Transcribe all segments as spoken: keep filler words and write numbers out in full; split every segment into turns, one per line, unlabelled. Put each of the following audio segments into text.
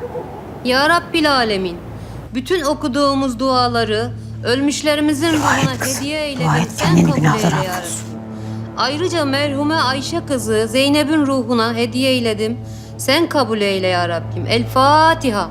Ya Rabbil Alemin, bütün okuduğumuz duaları ölmüşlerimizin ruhuna hediye eyledin. Sen kabul eyle ya Rabbi. Ayrıca merhume Ayşe kızı Zeynep'in ruhuna hediye eyledim. Sen kabul eyle ya Rabbim. El Fatiha.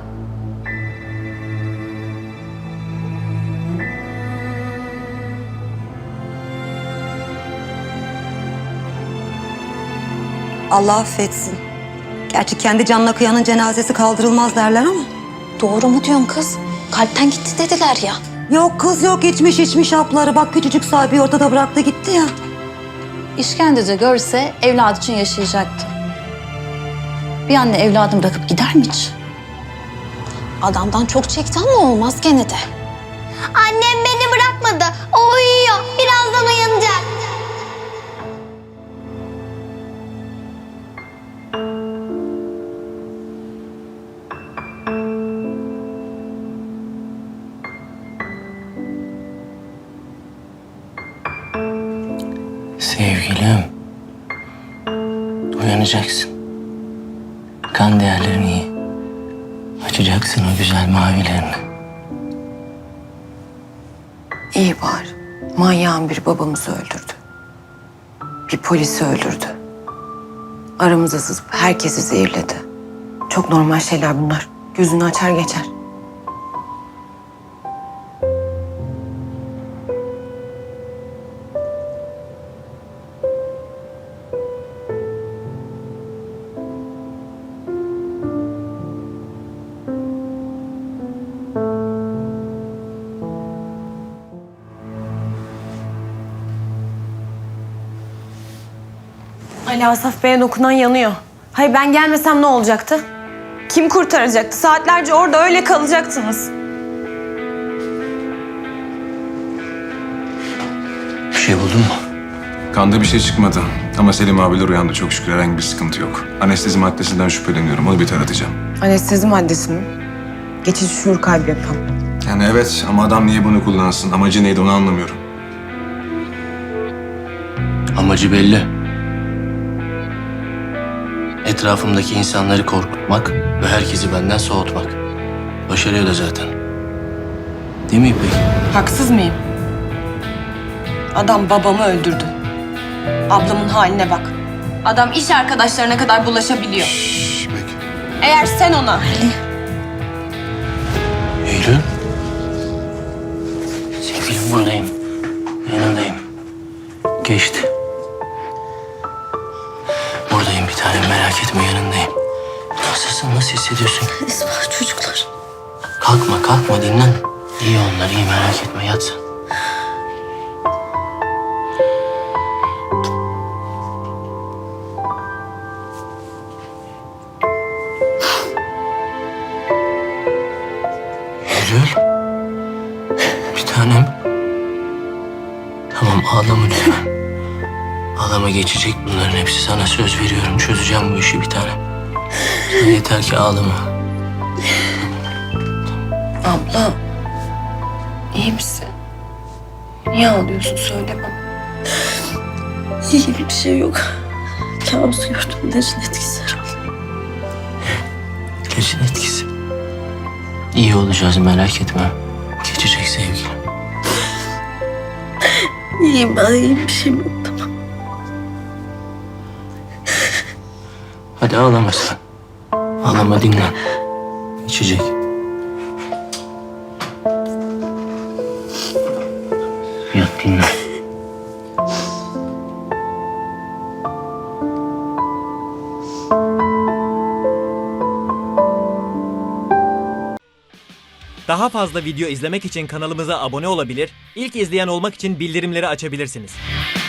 Allah affetsin. Gerçi kendi canına kıyanın cenazesi kaldırılmaz derler ama.
Doğru mu diyorsun kız? Kalpten gitti dediler ya.
Yok kız yok, içmiş içmiş hapları. Bak küçücük sahibi ortada bıraktı gitti ya.
İşkenceci görse evladı için yaşayacaktı. Bir anne evladını bırakıp gider mi hiç? Adamdan çok çekti ama olmaz gene de.
Annem beni bırakmadı. O uyuyor. Birazdan uyanacak.
Sevgilim, uyanacaksın. Kan değerlerin iyi. Açacaksın o güzel mavilerini.
İyi var. Manyağın bir babamızı öldürdü. Bir polisi öldürdü. Aramıza sızıp herkesi zehirledi. Çok normal şeyler bunlar. Gözünü açar geçer.
Ali Asaf Bey'e dokunan yanıyor. Hayır ben gelmesem ne olacaktı? Kim kurtaracaktı? Saatlerce orada öyle kalacaktınız.
Bir şey buldun mu?
Kanda bir şey çıkmadı. Ama Selim abiler uyandı. Çok şükür herhangi bir sıkıntı yok. Anestezi maddesinden şüpheleniyorum. Onu bir taratacağım.
Anestezi maddesi mi? Geçici şuur kaybı yapan.
Yani evet ama adam niye bunu kullansın? Amacı neydi onu anlamıyorum.
Amacı belli. Etrafımdaki insanları korkutmak ve herkesi benden soğutmak. Başarıyor da zaten. Değil mi İpek?
Haksız mıyım? Adam babamı öldürdü. Ablamın haline bak. Adam iş arkadaşlarına kadar bulaşabiliyor.
Şşş İpek.
Eğer sen ona...
Eylül. Sevgilim buradayım. Yanındayım. Geçti. Buradayım bir tanem, merak etme, yanındayım. Nasılsın, nasıl hissediyorsun?
Esma çocuklar.
Kalkma, kalkma, dinlen. İyi onlar, iyi, merak etme, yat sen. Eylül. Bir tanem. Tamam, ağlama lütfen. Ağlama, geçecek bunların hepsi. Sana söz veriyorum. Çözeceğim bu işi bir tanem. Sen yeter ki ağlama.
Abla, iyi misin? Niye ağlıyorsun? Söyle bana.
İyi bir şey yok. Kabus gördüm. Necin etkisi herhalde.
İlacın etkisi. İyi olacağız, merak etme. Geçecek sevgilim.
İyiyim ben. İyiyim, bir şeyim yok. Tamam.
Hadi ağlama sen. Ağlama, dinlen. İçecek. Yat, dinlen.
Daha fazla video izlemek için kanalımıza abone olabilir, ilk izleyen olmak için bildirimleri açabilirsiniz.